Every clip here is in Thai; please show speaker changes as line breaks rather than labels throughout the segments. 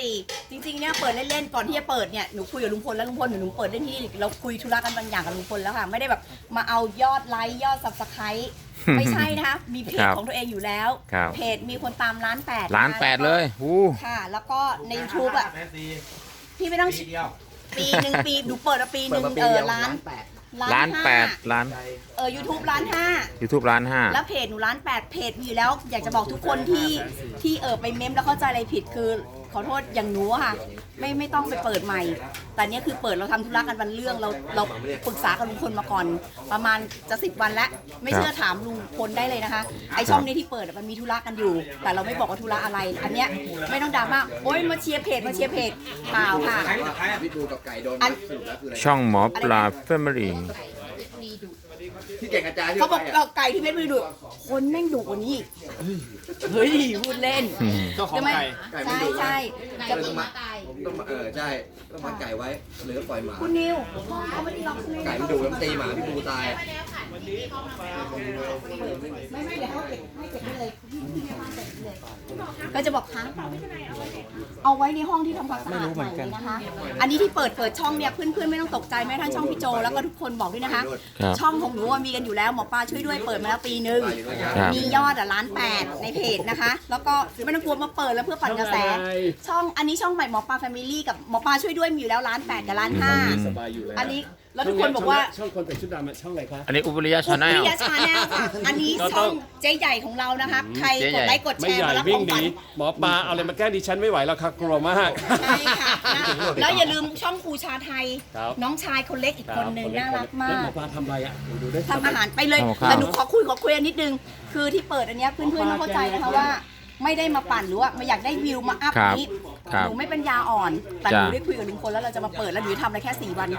จริงๆเนี่ยเปิดเล่นๆก่อนที่จะเปิดเนี่ยหนูคุยกับลุงพลแล้วลุงพลหนูเปิดเล่นที่เราคุยธุระกันบางอย่างกับลุงพลแล้วค่ะไม่ได้แบบมาเอายอดไลค์ยอดซับสไครต์ไม่ใช่นะคะมีเพจของตัวเองอยู่แล้วเพจมีคนตาม1.8 ล้าน
1.8 ล้านเลย
ค่ะแล้วก็ใน YouTube อ่ะพี่ไม่ต้องปีหนึ่งปีหนูเปิดมาปีหนึ่ง1.8 ล้านYouTube 1.5 ล้าน
YouTube 1.5 ล้าน
แล้วเพจหนู1.8 ล้านเพจมีอยู่แล้วอยากจะบอกทุกคนที่ไปเมมแล้วเข้าใจอะไรผิดคือขอโทษอย่างหนูค่ะไม่ต้องไปเปิดใหม่แต่เนี้ยคือเปิดเราทำธุระกันวันเรื่องเราปรึกษากับลุงพลมาก่อนประมาณจะ10 วันแล้วไม่เชื่อถามลุงพลได้เลยนะคะไอช่องนี้ที่เปิดมันมีธุระกันอยู่แต่เราไม่บอกว่าธุระอะไรอันเนี้ยไม่ต้องดราม่าโอ๊ยมาเชียร์เพจเปล่าค่ะ
พี่ปูกับไก่โดนสรุปแล้วคืออะไร
ช่องหมอปลาแฟมิลี่
ที่เก่งกระจาย
เขาบอกไก่ที่เพชรบุรีดุคนแม่งดุกว่านี้เฮ้ยพูดเล่น
เจ้าของไก่
ใช่
จะต้องมาใช่ต้องมาไก่ไว้หรือปล่อยหมา
คุณนิวเขาไม่ได้ล็อก
ไก่มันดุมันตีหมาพี่ปูตาย
ไม่เดี๋ยวให้เก็บได้เลยก็จะบอกค้างเอาไว้ในห้องที่ทำความสะอาดใหม่เลยนะคะอันนี้ที่เปิดช่องเนี่ยเพื่อนๆไม่ต้องตกใจแม้ทั้งช่องพี่โจแล้วก็ทุกคนบอกด้วยนะคะช่องของหนูมีกันอยู่แล้วหมอปลาช่วยด้วยเปิดมาแล้วปีนึงมียอด1.8 ล้านในเพจนะคะแล้วก็ไม่ต้องกลัวมาเปิดแล้วเพื่อปั่นกระแสช่องอันนี้ช่องใหม่หมอปลาแฟมิลี่กับหมอปลาช่วยด้วยมีอยู่แล้ว1.8 ล้านกับ1.5 ล้านอันนี้แล้วทุกคนบอกว่า
ช่องคนแต่งชุดดำช่องอะไรคะ
อันนี้อุบลยาชาแนล
ค่ะอันนี้ช่องเจ๊ใหญ่ของเรานะคะใครกดไลค์กดแชร์มารับของขวัญ
หมอปลาเอาอะไรมาแกล้งดิฉันไม่ไหวแล้วค่ะกลัวมาก
ใช่ค่ะแล้วอย่าลืมช่องครูชาไทยน้องชายคนเล็กอีกคนนึงน่ารักมาก
หมอปลาทำอะไรอ่ะ
ทำอาหารไปเลยแต่หนูขอคุยนิดนึงคือที่เปิดอันนี้เพื่อนๆต้องเข้าใจนะคะว่าไม่ได้มาปั่นหรือว่าไม่อยากได้วิวมาอัพนี้หนูไม่เป็นยาอ่อนแต่หนูได้คุยกับลุงพลแล้วเราจะมาเปิดแล้วหนูทำอะไรแค่4 วัน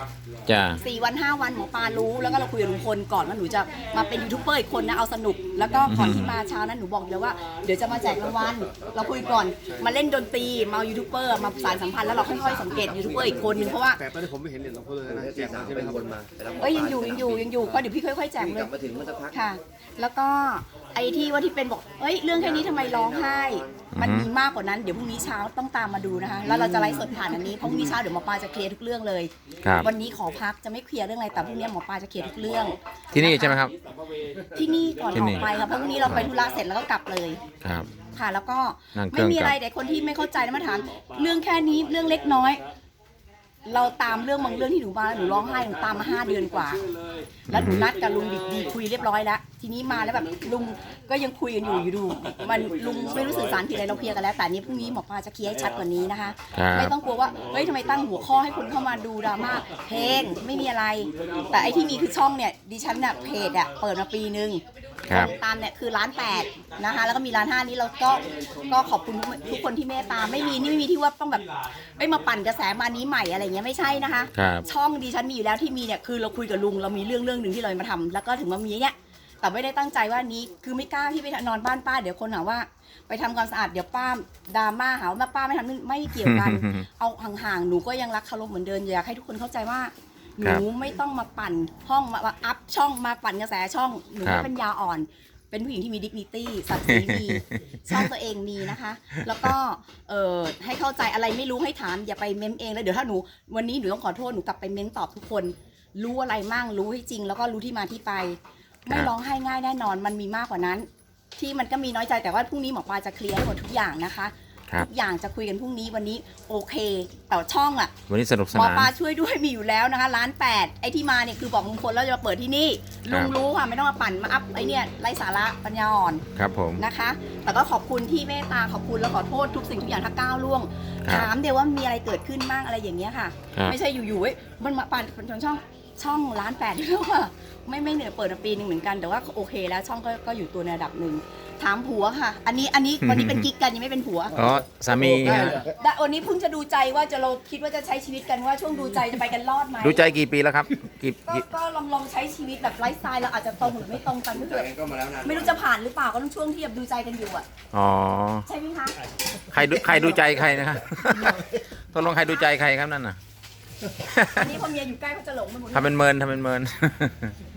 4 วัน 5 วันหมอปลารู้แล้วก็เราคุยกับลุงพลก่อนว่าหนูจะมาเป็นยูทูบเบอร์อีกคนนะเอาสนุกแล้วก็ก่อนที่มาเช้านั้นหนูบอกเลยว่าเดี๋ยวจะมาแจกรางวัลเราคุยก่อนมาเล่นดนตรีมายูทูบเบอร์มาสานสัมพันธ์แล้วเราค่อยๆสังเกตยูทูบเบอร์อีกคนนึงเพราะว่า
แต่ตอนนี้ผมไม่เห็นเหรียญหลวงพ่อเลยนะแจกใช่ไหมครับ
ยังอยู่ก็เดี๋ยวพี่ค่อยๆแจกเลยค่ะแล้วก็ไอ้ที่ว่าที่เป็นบอกเรื่องแค่นี้ทำไมร้องไห้มันมีมากกว่านั้นเดี๋ยวพรุ่งนี้เช้าต้องตามมาดูนะคะแล้วเราจะไลฟ์สดผ่านอันนี้เพราะพรุ่งนี้เช้าเดี๋ยวหมอปลาจะเคลียร์ทุกเรื่องเลยวันนี้ขอพักจะไม่เคลียร์เรื่องอะไรแต่พรุ่งนี้หมอปลาจะเคลียร์ทุกเรื่อง
ที่นี่ใช่ไหมครับ
ที่นี่ก่อนออกไปครับเพราะพรุ่งนี้เราไปธุระเสร็จแล้วก็กลับเลยค่ะแล้วก็ไม่มีอะไรแต่คนที่ไม่เข้าใจมาถามเรื่องแค่นี้เรื่องเล็กน้อยเราตามเรื่องบางเรื่องที่หนูมาหนูร้องไห้หนูตามมา5 เดือนกว่าแล้วหนูนัดกับลุงดีคุยเรียบร้อยแล้วทีนี้มาแล้วแบบลุงก็ยังคุยกันอยู่ดูมันลุงไม่รู้สื่อสารผิดอะไรเราเคลียร์กันแล้วแต่นี้พรุ่งนี้หมอปลาจะเคลียร์ให้ชัดกว่านี้นะคะไม่ต้องกลัวว่าทำไมตั้งหัวข้อให้คนเข้ามาดูดราม่าเพลงไม่มีอะไรแต่ไอที่มีคือช่องเนี่ยดิฉันเนี่ยเพจเปิดมาปีนึงตามเนี่ยคือ1.8 ล้านนะคะแล้วก็มี1.5 ล้านนี้เราก็ขอบคุณทุกคนที่เมตตาไม่มีที่ว่าต้องแบบมาปั่นกระแสมานี้ใหม่อะไรเงี้ยไม่ใช่นะคะช่องดิฉันมีอยู่แล้วที่มีเนี่ยคือเราคุยกับลุงเรามีเรื่องหนึ่งที่เรามาทำแล้วก็ถึงมามีเนี่ยแต่ไม่ได้ตั้งใจว่านี้คือไม่กล้าที่ไปนอนบ้านป้าเดี๋ยวคนหาว่าไปทำความสะอาดเดี๋ยวป้าดราม่าหาว่าป้าไม่ทำไม่เกี่ยวกันเอาห่างๆหนูก็ยังรักเคารพเหมือนเดิมอยากให้ทุกคนเข้าใจว่าหนูไม่ต้องมาปั่นห้องมาอัพช่องมาปั่นกระแสช่องหนูไม่เป็นยาอ่อนเป็นผู้หญิงที่มีดิกนิตี้ศักดิ์ศรีมีช่องตัวเองมีนะคะแล้วก็ให้เข้าใจอะไรไม่รู้ให้ถามอย่าไปเม้มเองแล้วเดี๋ยวถ้าหนูวันนี้หนูต้องขอโทษหนูกลับไปเม้มตอบทุกคนรู้อะไรมั่งรู้ให้จริงแล้วก็รู้ที่มาที่ไปไม่ร้องไห้ง่ายแน่นอนมันมีมากกว่านั้นที่มันก็มีน้อยใจแต่ว่าพรุ่งนี้หมอปลาจะเคลียร์หมดทุกอย่างนะคะทุกอย่างจะคุยกันพรุ่งนี้วันนี้โอเคแต่ช่อง
วันนี้สนุกสนาน
หมอปลาช่วยด้วยมีอยู่แล้วนะคะ1.8 ล้านไอ้ที่มาเนี่ยคือบอกลุงพลแล้วจะมาเปิดที่นี่ลุงรู้ค่ะไม่ต้องมาปั่นมาอัพไอ้เนี่ยไร้สาระปัญญาอ่อน
ครับผม
นะคะแต่ก็ขอบคุณที่เมตตาขอบคุณแล้วขอโทษทุกสิ่งทุกอย่างถ้าก้าวล่วงถามเดี๋ยวว่ามีอะไรเกิดขึ้นบ้างอะไรอย่างเงี้ยค่ะไม่ใช่อยู่ๆมันมาปั่นช่อง1.8 ล้านแล้วค่ะไม่เหนื่อยเปิดมาปีนึงเหมือนกันแต่ว่าโอเคแล้วช่องก็อยู่ตัวในระดับหนึ่งถามผัวค่ะอันนี้วันนี้เป็นกิ๊กกันยังไม่เป็นผัว
สามี
วันนี้เพิ่งจะดูใจว่าเราคิดว่าจะใช้ชีวิตกันว่าช่วงดูใจจะไปกันรอดไหม
ดูใจกี่ปีแล้วครับ
ก็ลองใช้ชีวิตแบบไลฟ์สไตล์เราอาจจะตรงหรือไม่ตรงกันไม่รู้จะผ่านหรือเปล่าก็ต้องช่วงที่แบบดูใจกันอยู่ใช่ไหมคะ
ใครดูใจใครนะครับตกลงใครดูใจใครครับนั่นน่ะ
อันนี้พอเมียอยู่ใกล้เขาจะหลงมันหมด
ทำเป็นเมิน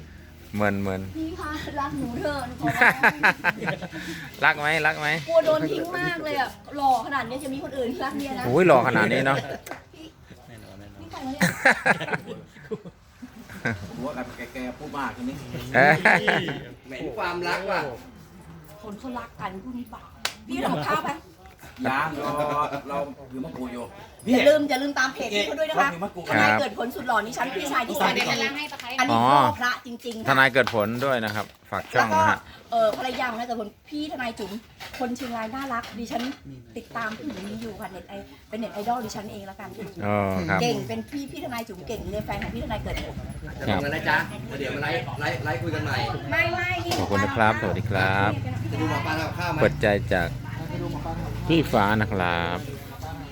เหมือน
พี่คะรักหนูเถอะหนูขอร้อง
รักไหมรักไหม
กลัวโดนทิ้งมากเลยอ่ะหล่อขนาดนี้จะมีคนอื่นรักเมียนะ
โอ้ยหล่อขนาดนี้เนาะ
นี่ใครวะเนี่ย
หัวกับแกพูดมากทีนี้
เอ้ย
เหม็นความรักว่ะ
คนเขารักกันพูดนี่เปล่าพี่ทำกับข้าวไหม
ยางเราอยู่มะกรูดอยู่
อย่าลืมตามเพจพี่เขาด้วยนะคะทนายเกิดผลสุดหล่อนี่ฉันพี่ชายที่แสนดีอันนี้พ่อพระจริงๆ
ท
ค่ะ
นายเกิดผลด้วยนะครับ ฝากช่
แล้
อ
ว
ง
ก็
นะฮะ
ภรรยาของนายเกิดผลพี่ทนายจุ๋มคนเชียงรายน่ารักดิฉันติดตามผู้หญิงนี้อยู่ค่ะเป็นเน็ตไอดอลดิฉันเองแล้วกัน
อ๋อครับ
เก่งเป็นพี่ทนายจุ๋มเก่งเลยแฟนของพี่ทนายเกิดผล
จะทำกันนะจ๊ะเดี๋ยวมาไลฟ์คุยกันใหม่
ไม่นี่
ขอบคุณนะครับ สวัสดีครับ
จะดูหมอปลาทำข้าวไหม
เปิดใจจากพี่ฟ้านะครับ